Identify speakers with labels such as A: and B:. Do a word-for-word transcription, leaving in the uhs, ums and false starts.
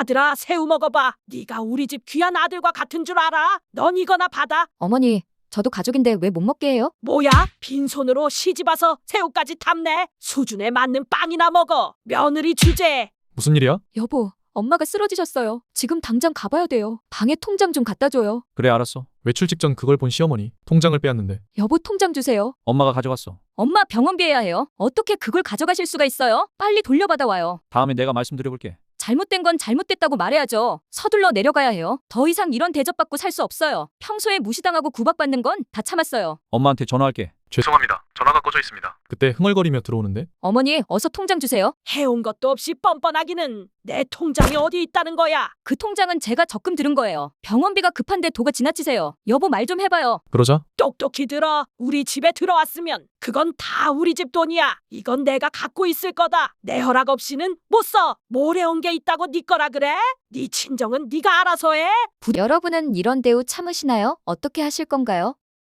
A: 아들아, 새우 먹어봐. 네가 우리 집 귀한 아들과 같은 줄 알아? 넌 이거나 받아.
B: 어머니, 저도 가족인데 왜 못 먹게 해요?
A: 뭐야? 빈손으로 시집 와서 새우까지 탐내? 수준에 맞는 빵이나 먹어. 며느리 주제.
C: 무슨 일이야?
B: 여보, 엄마가 쓰러지셨어요. 지금 당장 가봐야 돼요. 방에 통장 좀 갖다 줘요.
C: 그래 알았어. 외출 직전 그걸 본 시어머니 통장을 빼앗는데
B: 여보, 통장 주세요.
C: 엄마가 가져갔어.
B: 엄마 병원비 해야 해요. 어떻게 그걸 가져가실 수가 있어요? 빨리 돌려받아 와요.
C: 다음에 내가 말씀드려볼게.
B: 잘못된 건 잘못됐다고 말해야죠. 서둘러 내려가야 해요. 더 이상 이런 대접받고 살 수 없어요. 평소에 무시당하고 구박받는 건 다 참았어요.
C: 엄마한테 전화할게.
D: 죄송합니다. 전화가 꺼져 있습니다.
C: 그때 흥얼거리며 들어오는데
B: 어머니, 어서 통장 주세요.
A: 해온 것도 없이 뻔뻔하기는. 내 통장이 어디 있다는 거야?
B: 그 통장은 제가 적금 들은 거예요. 병원비가 급한데 도가 지나치세요. 여보, 말 좀 해봐요.
C: 그러자
A: 똑똑히 들어. 우리 집에 들어왔으면 그건 다 우리 집 돈이야. 이건 내가 갖고 있을 거다. 내 허락 없이는 못 써. 모래온 게 있다고 네 거라 그래? 네 친정은 네가 알아서 해.
B: 여러분은 이런 대우 참으시나요? 어떻게 하실 건가요?